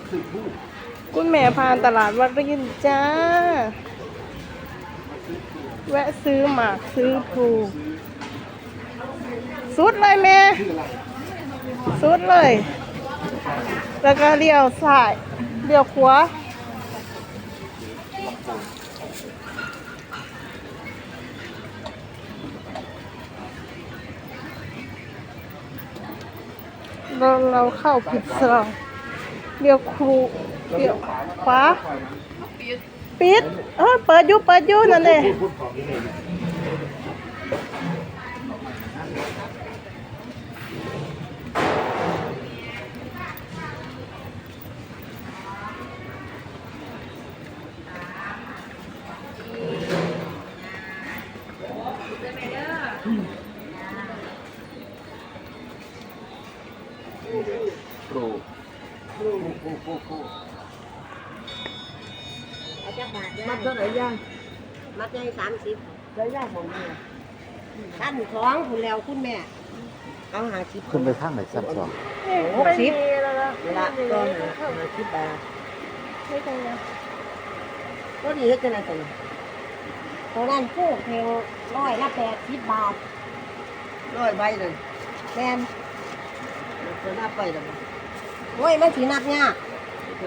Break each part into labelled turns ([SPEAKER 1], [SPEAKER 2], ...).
[SPEAKER 1] คุณแม่ผ่านตลาดวัดรินจ้าแวะซื้อหมากซื้อพลูสุดเลยแม่สุดเลยแล้วก็เลี้ยวซ้ายเลี้ยวขวาเราเข้าผิดซองเลี้ยวครูเลี้ยวขวาปิดเปิดอยู่นั่นเลย
[SPEAKER 2] ครู
[SPEAKER 3] อาจารย์บาท
[SPEAKER 4] มัดเท่าไหร่ย่าง
[SPEAKER 3] มัดได้30
[SPEAKER 4] ได้ย่างของแม่
[SPEAKER 3] ท่านของคุณแล้วคุณแม่เอา50
[SPEAKER 2] ขึ้นไปข้างไหนซ้ำสอง
[SPEAKER 3] 60
[SPEAKER 1] แล้วนะ
[SPEAKER 3] เวลาก็50 บาท
[SPEAKER 1] ไม่ตรงนะ
[SPEAKER 3] ก็ดีเฮ็ดจังได๋ตัวนี้ตัวนั้นผู้เพลง100ละ80 บาท100ใบเลยแม่นตัวนับไปแล้วบ่โอ้ยมันสินับยาก1 2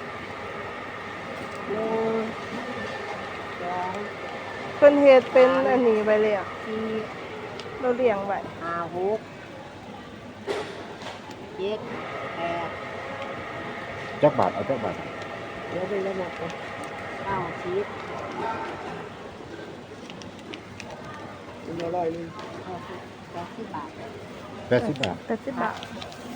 [SPEAKER 1] เพิ่นเฮ็ดเป็นอันนี้ไปเลยอ่ะ
[SPEAKER 3] 4
[SPEAKER 1] เราเลี้ยงไว้
[SPEAKER 3] 5 6 7 8
[SPEAKER 2] จักบาทเอาจักบาท
[SPEAKER 3] เดี๋ยวไปแล้วนะ90
[SPEAKER 4] เป็นอร่อยเลย
[SPEAKER 3] 80 บาท
[SPEAKER 2] 80 บาท
[SPEAKER 1] 80 บาท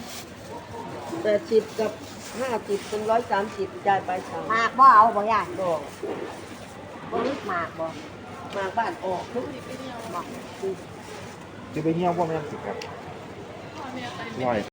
[SPEAKER 4] 80กับ50เป็น130จ่ายไป3
[SPEAKER 3] หมากบ่เอาบ่ยาย
[SPEAKER 4] ดอก
[SPEAKER 3] บ่ลึกหมากบ่
[SPEAKER 4] มาบ้านออกทุก
[SPEAKER 3] บ่
[SPEAKER 2] จะไปเหี่ยวบ่แม่นสิครับร้อย